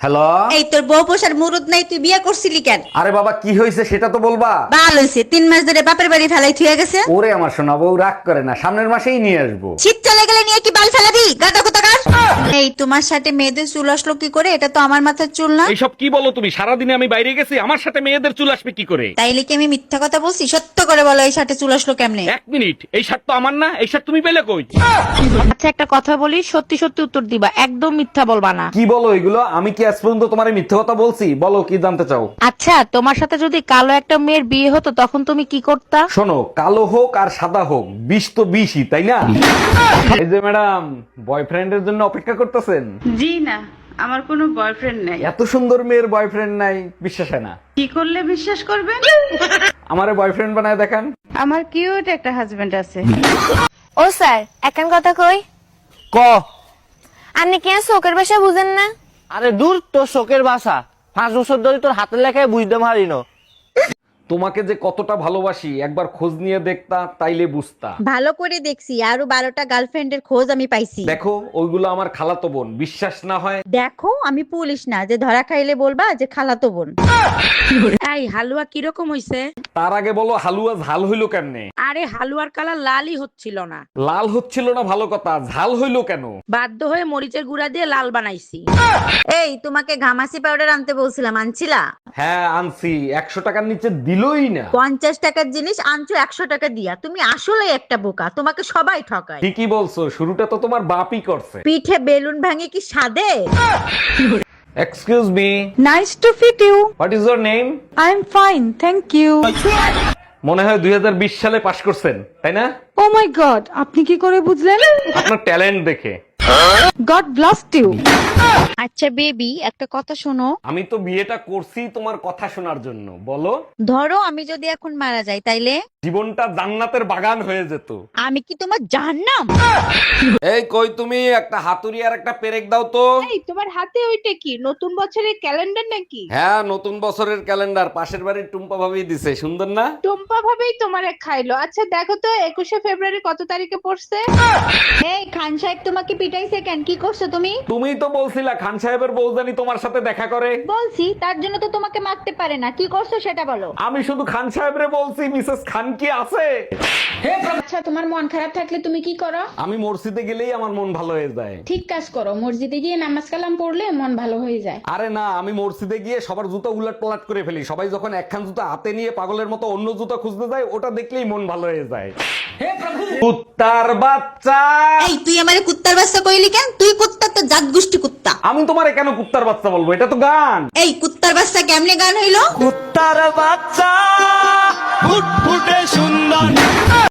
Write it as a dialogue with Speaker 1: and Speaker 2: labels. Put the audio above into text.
Speaker 1: Hello.
Speaker 2: এই তোর বউ পোষার মুরুদ নাই, তুই বিয়ে করছিলি কেন?
Speaker 1: আরে বাবা কি হয়েছে সেটা তো বলবা।
Speaker 2: ভালো হয়েছে, 3 মাস ধরে বাপের বাড়ি ফেলাই থুয়ে গেছে।
Speaker 1: ওরে আমার সোনা বউ রাগ করে না, সামনের মাসেই নিয়ে আসবো।
Speaker 2: শীত চলে গেলে নিয়ে কি বাল ফেলাবি গাদা কোথাকার? এই তোমার সাথে মেয়েদের চুল আসলো কি করে? এটা তো আমার মাথার চুল না।
Speaker 3: এইসব কি বলো তুমি? সারাদিনে আমি বাইরে গেছি, আমার সাথে মেয়েদের চুল আসবে কি করে?
Speaker 2: তাইলে কি আমি মিথ্যা কথা বলছি? সত্য করে বলো, এই সাথে চুল আসলো কেমনে?
Speaker 3: এক মিনিট, এই শার্ট তো আমার না, এই শার্ট তুমি পেলে কই?
Speaker 4: আচ্ছা একটা কথা বলি, সত্যি সত্যি উত্তর দিবা, একদম মিথ্যা বলবা না।
Speaker 1: কি বলো এগুলো? আমি কি আজ পর্যন্ত তোমার মিথ্যে কথা বলছি? বলো কি জানতে চাও।
Speaker 4: আচ্ছা তোমার সাথে যদি কালো একটা মেয়ের বিয়ে হতো তখন তুমি কি করতা?
Speaker 1: শোনো, কালো হোক আর সাদা হোক, বিষ তো বিষই, তাই না? এই যে ম্যাডাম, বয়ফ্রেন্ডের জন্য অপেক্ষা করতেছেন?
Speaker 5: জি না, আমার কোনো বয়ফ্রেন্ড নাই।
Speaker 1: এত সুন্দর মেয়ের বয়ফ্রেন্ড নাই, বিশ্বাস হয় না।
Speaker 5: কি করলে বিশ্বাস করবেন?
Speaker 1: আমারে বয়ফ্রেন্ড বানায় দেখান।
Speaker 5: আমার কিউট একটা হাজবেন্ড আছে।
Speaker 6: ও স্যার এখন কথা কই
Speaker 7: ক
Speaker 6: আপনি কি আর শোকের ভাষা বুঝেন না?
Speaker 7: আরে দূর তোর শোকের ভাষা, 5 বছর ধরে তোর হাতের লেখায় বুঝতে পারি না।
Speaker 1: তোমাকে যে কতটা ভালোবাসি একবার খোঁজ নিয়ে দেখতা, তাইলে বুঝতা।
Speaker 2: ভালো করে দেখছি, আরো 12টা গার্লফ্রেন্ডের খোঁজ আমি পাইছি।
Speaker 1: দেখো ওইগুলো আমার খালাতো বোন, বিশ্বাস না হয়।
Speaker 2: দেখো আমি পুলিশ না যে ধরা খাইলে বলবা যে খালাতো বোন।
Speaker 4: এই হালুয়া কিরকম হইছে?
Speaker 1: তার আগে বলো হালুয়া ঝাল হইলো কেমনে?
Speaker 4: আরে হালুয়ার কালার লালই হচ্ছিল না।
Speaker 1: লাল হচ্ছিল না ভালো কথা, ঝাল হইলো কেন?
Speaker 4: বাধ্য হয়ে মরিচের গুঁড়া দিয়ে লাল বানাইছি।
Speaker 2: এই তোমাকে ঘামাসি পাউডার আনতে বলছিলাম, আনছিলা?
Speaker 1: হ্যাঁ আনছি, 100 টাকার নিচে দিলই না।
Speaker 2: 50 টাকার জিনিস আনছো 100 টাকা দিয়া। তুমি আসলে একটা বোকা, তোমাকে সবাই ঠকায়।
Speaker 1: ঠিকই বলছো, শুরুটা তো তোমার বাপই করছে।
Speaker 2: পিঠে বেলুন ভাঙে কি সাদে?
Speaker 1: Excuse me,
Speaker 8: Nice to meet you.
Speaker 1: What is your name?
Speaker 8: I'm fine, thank you.
Speaker 1: মনে হয় 2020 সালে পাশ করছেন, তাই না?
Speaker 8: Oh my God, আপনি কি করে বুঝলেন?
Speaker 1: আপনার ট্যালেন্ট দেখে।
Speaker 8: God blessed you.
Speaker 4: আচ্ছা বেবি একটা কথা শোনো।
Speaker 1: আমি তো বিয়েটা করছি তোমার কথা শোনার জন্য। বলো।
Speaker 2: ধরো আমি যদি এখন মারা যাই তাইলে
Speaker 1: জীবনটা জান্নাতের বাগান হয়ে যেত।
Speaker 2: আমি কি তোমার জাহান্নাম?
Speaker 1: এই কই তুমি, একটা হাতুড়ি আর একটা পেরেক দাও তো।
Speaker 4: এই তোমার হাতে ওইটা কি? নতুন বছরের ক্যালেন্ডার নাকি?
Speaker 1: হ্যাঁ নতুন বছরের ক্যালেন্ডার, পাশের বাড়ির টুম্পা ভাবি দিছে, সুন্দর না?
Speaker 4: টম্পা ভাবেই তোমারে খাইলো। আচ্ছা দেখো তো 21শে ফেব্রুয়ারি কত তারিখে পড়ছে?
Speaker 2: এই খান সাহেব তোমাকে পিটাইছে কেন? কি করছো তুমি?
Speaker 1: তুমিই তো বলছিলা খান সাহেবের বউজানি তোমার সাথে দেখা করে।
Speaker 2: বলছি, তার জন্য তো তোমাকে মারতে পারে না। কি করছো সেটা বলো।
Speaker 1: আমি শুধু খান সাহেবরে বলছি, মিসেস খান কি আছে?
Speaker 9: আচ্ছা তোমার মন খারাপ থাকলে তুমি কি করো?
Speaker 1: আমি মসজিদে গেলেই আমার মন ভালো হয়ে যায়।
Speaker 9: ঠিক কাজ করো, মসজিদে গিয়ে নামাজ কালাম পড়লে মন ভালো হয়ে যায়।
Speaker 1: আরে না, আমি মসজিদে গিয়ে সবার জুতা উলট পালট করে ফেলি। সবাই যখন একখান জুতা হাতে নিয়ে পাগলের মতো অন্য জুতা খুঁজতে যায়, ওটা দেখলেই মন ভালো হয়ে যায়। কুত্তার বাচ্চা।
Speaker 2: এই তুই আমারে কুত্তার বাচ্চা কইলি কেন? তুই কুত্তা তো জাত গোষ্ঠী কুত্তা।
Speaker 1: আমি তোমারে কেন কুত্তার বাচ্চা বলবো? এটা তো গান।
Speaker 2: এই কুত্তার বাচ্চা কেমনে গান হইলো?
Speaker 7: কুত্তার বাচ্চা ফুটফুটে সুন্দর।